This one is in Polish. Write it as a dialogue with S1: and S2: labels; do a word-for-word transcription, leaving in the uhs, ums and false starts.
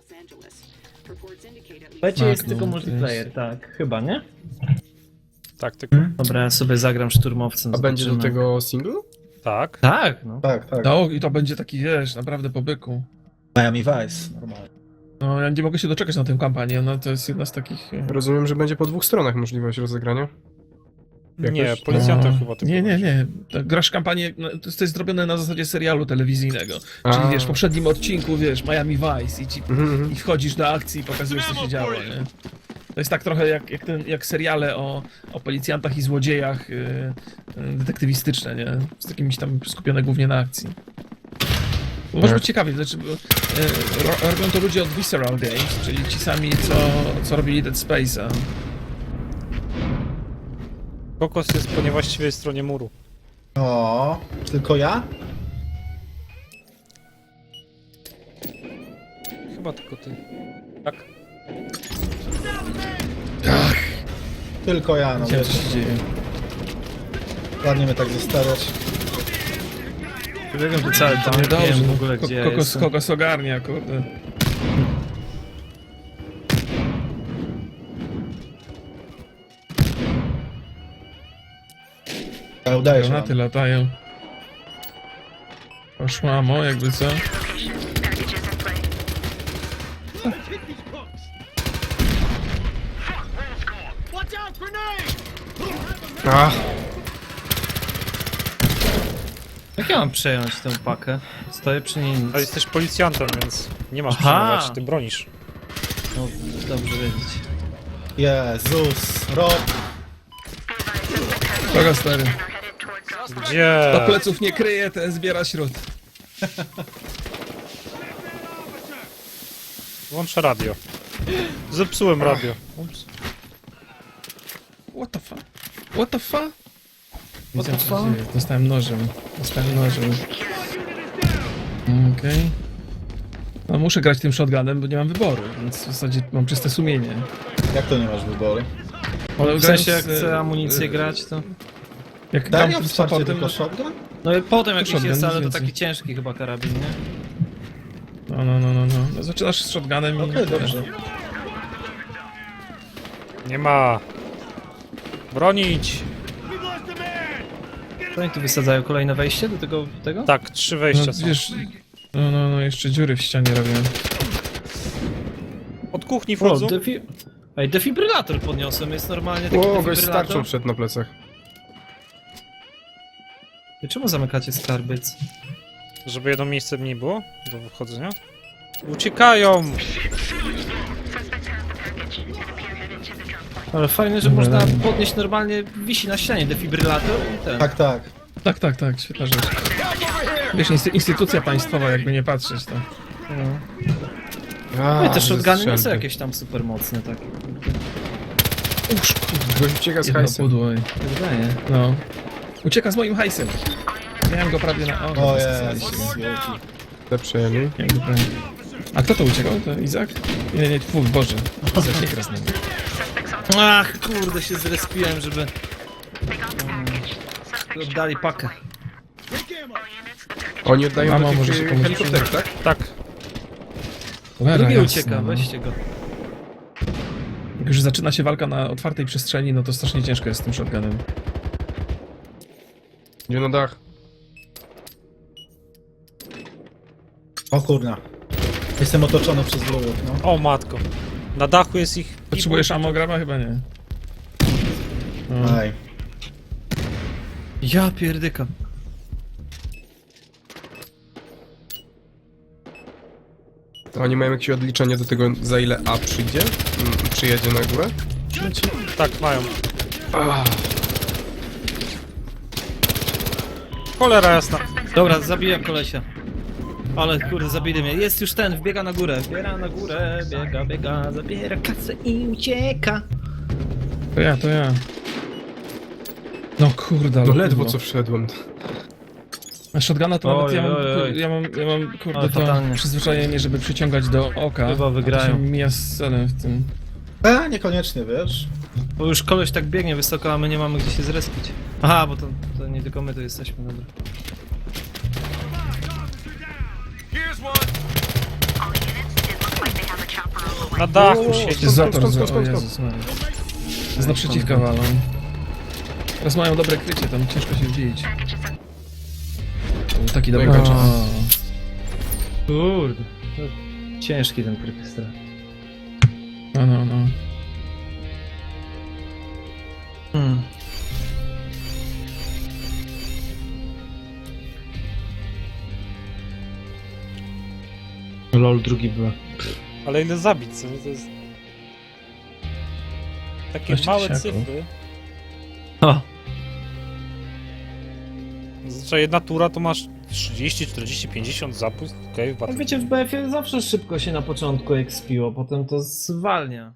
S1: Będzie jest
S2: Magnum,
S1: tylko
S2: to
S1: multiplayer, tak, chyba, nie?
S3: Tak, tylko.
S1: Dobra, ja sobie zagram szturmowcem.
S4: A będzie do
S1: zobaczymy.
S4: tego single?
S3: Tak.
S1: Tak, no.
S5: Tak, tak.
S2: No i to będzie taki, wiesz, naprawdę po byku.
S5: Miami Vice, normalnie.
S2: No ja nie mogę się doczekać na tę kampanię, no to jest jedna z takich... e,
S4: Rozumiem, że będzie po dwóch stronach możliwość rozegrania.
S3: Nie,
S4: Jakoś-
S3: policjantem
S2: no,
S3: chyba tylko.
S2: Nie, nie, nie. To grasz kampanię, no, to jest to jest zrobione na zasadzie serialu telewizyjnego.
S4: A.
S2: Czyli wiesz, w poprzednim odcinku, wiesz, Miami Vice i, ci,
S4: Mhm, mhm.
S2: i wchodzisz do akcji i pokazujesz, co się działo, nie? To jest tak trochę jak, jak, ten, jak seriale o, o policjantach i złodziejach yy, yy, detektywistyczne, nie? Z takimiś tam skupione głównie na akcji. Może być ciekawie, znaczy, bo, yy, ro, robią to ludzie od Visceral Games, czyli ci sami, co, co robili Dead Space'a.
S3: Kokos jest po niewłaściwej stronie muru.
S5: O, tylko ja?
S3: Chyba tylko ty. Tak.
S5: Tylko ja, no
S2: Nie wiem,
S5: wiesz.
S2: co się dzieje.
S5: Ładnie mnie tak zostawiać.
S1: Ja wiem, że cały
S2: To
S1: tam
S2: nie dobrze,
S1: wiem w
S2: no,
S1: ogóle,
S2: ko-
S1: gdzie ja
S2: kokos,
S1: jestem.
S2: kokos ogarnia, kurde.
S5: Ale udaje się
S2: Granaty
S5: wam.
S2: latają. Poszła mo, jakby co?
S4: Ach,
S1: Jak ja mam przejąć tę pakę? Stoję przy niej nic.
S3: Ale jesteś policjantem, więc nie masz
S1: Aha.
S3: przejmować, ty bronisz.
S1: No, dobrze wiedzieć.
S5: Jezus, Rob.
S2: Kogo stary?
S3: Gdzie?
S2: Do pleców nie kryje, ten zbiera śród.
S3: Włączę radio. Zepsułem radio. Ups.
S2: What the fuck? What the fuck? Widzę,
S1: the
S2: co
S1: fuck?
S2: się dzieje. Dostałem nożem. Dostałem nożem. Okej. No muszę grać tym shotgunem, bo nie mam wyboru, więc w zasadzie mam czyste sumienie.
S5: Jak to nie masz wyboru?
S2: Ale
S1: W sensie, jak
S2: grając,
S1: chcę
S2: e,
S1: amunicję
S2: e,
S1: grać, to...
S2: Jak
S5: Daj
S2: gram
S5: mi
S2: z
S5: wsparcie
S2: supportem,
S5: tylko shotgun?
S1: No i potem jak
S2: shotgun,
S1: jest,
S2: nic
S1: ale to
S2: więcej.
S1: taki ciężki chyba karabin, nie?
S2: no, no, no, no, no. no zaczynasz z shotgunem i...
S5: Okej, dobrze.
S3: Nie ma. Bronić!
S1: To oni tu wysadzają kolejne wejście do tego, tego?
S3: Tak, trzy
S2: No,
S3: wejścia są.
S2: wiesz... No, no, no, jeszcze dziury w ścianie robię.
S3: Od kuchni
S1: O,
S3: wchodzą.
S1: defi... Ej, defibrylator podniosłem, jest normalnie taki
S4: o, gość z
S1: defibrylator.
S4: tarczą przed na plecach.
S1: I czemu zamykacie skarbyc?
S3: Żeby jedno miejsce mniej było do wchodzenia. Uciekają!
S1: Ale fajne, że
S2: Dobra,
S1: można
S2: dobra.
S1: podnieść normalnie, wisi na ścianie defibrylator i ten.
S5: Tak, tak.
S2: Tak, tak, tak, świetna rzecz. Wiesz, insty- instytucja państwowa, jakby nie patrzeć, to...
S1: No.
S4: A,
S1: No i te shotguny nie są
S4: strzelby.
S1: jakieś tam super mocne takie.
S2: Uż, kurde,
S4: Gość ucieka z
S2: jedno
S4: hajsem.
S2: pudło, ej.
S1: Wydaje.
S2: No. Ucieka z moim hajsem. Miałem go prawie na...
S5: O
S2: zastosowaliście.
S5: Jezus.
S4: Te przejęli.
S2: Miałem go prawie... A kto to uciekał? To Izak? Nie, nie, twój, Boże. Izak, nie gra z nami.
S1: Ach, kurde, się zrespiłem, żeby... Um, oddali pakę.
S4: Oni oddają
S2: Mama,
S4: do
S2: może
S4: tych
S2: się
S4: e,
S2: komuś
S4: helikopterów, tak?
S3: Tak.
S2: Cholera
S1: Drugi
S2: jasna,
S1: ucieka,
S2: no.
S1: weźcie go.
S2: Jak już zaczyna się walka na otwartej przestrzeni, no to strasznie ciężko jest z tym shotgunem.
S4: Idzie na dach.
S5: O kurna. Jestem otoczony przez wrogów, no.
S3: O matko. Na dachu jest ich...
S2: Potrzebujesz amograma? Chyba nie. No.
S5: Aj.
S1: Ja pierdyka.
S4: A oni mają jakieś odliczenie do tego, za ile A przyjdzie? Mm, Przyjedzie na górę?
S3: Tak, mają. Cholera jasna.
S1: Dobra, zabiłem kolesia. Ale kurde, zabili mnie. Jest już ten, wbiega na górę. Biega na górę, biega, biega, zabiera kasę i ucieka.
S2: To ja, to ja. No kurde, ale
S4: No ledwo
S2: kurwa.
S4: co wszedłem.
S2: A shotguna to nawet
S1: Oj,
S2: ja mam,
S1: oj, oj.
S2: ja mam, ja mam kurde
S1: Ale
S2: to
S1: fatalnie.
S2: przyzwyczajenie, żeby przyciągać do oka.
S1: Chyba
S2: a
S1: wygrają.
S2: to się mija z celem w tym.
S5: A, niekoniecznie, wiesz.
S1: Bo już koleś tak biegnie wysoko, a my nie mamy gdzie się zrespić. Aha, bo to, to nie tylko my tu jesteśmy, dobra.
S6: All units, it looks like they have a
S3: Na dachu siedzi.
S2: Jest zator,
S4: skąd,
S2: za...
S4: skąd,
S2: o
S4: skąd,
S2: Jezus Maria. Z naprzeciwka walą. Teraz mają dobre krycie, tam ciężko się wbić. To był taki dobry
S4: Mega
S2: czas.
S1: Kurde. Ciężki ten krypy strach.
S2: No, no, no.
S1: Hmm. Lol, drugi była.
S3: Ale ile zabić, co nie? To jest... Takie
S2: Dwadzieścia
S3: małe
S2: tysięcy.
S3: cyfry.
S1: O,
S3: Zazwyczaj jedna tura to masz trzydzieści, czterdzieści, pięćdziesiąt zabójstw. Okej, okay,
S1: wiecie, w B F-ie zawsze szybko się na początku ekspiło, potem to zwalnia.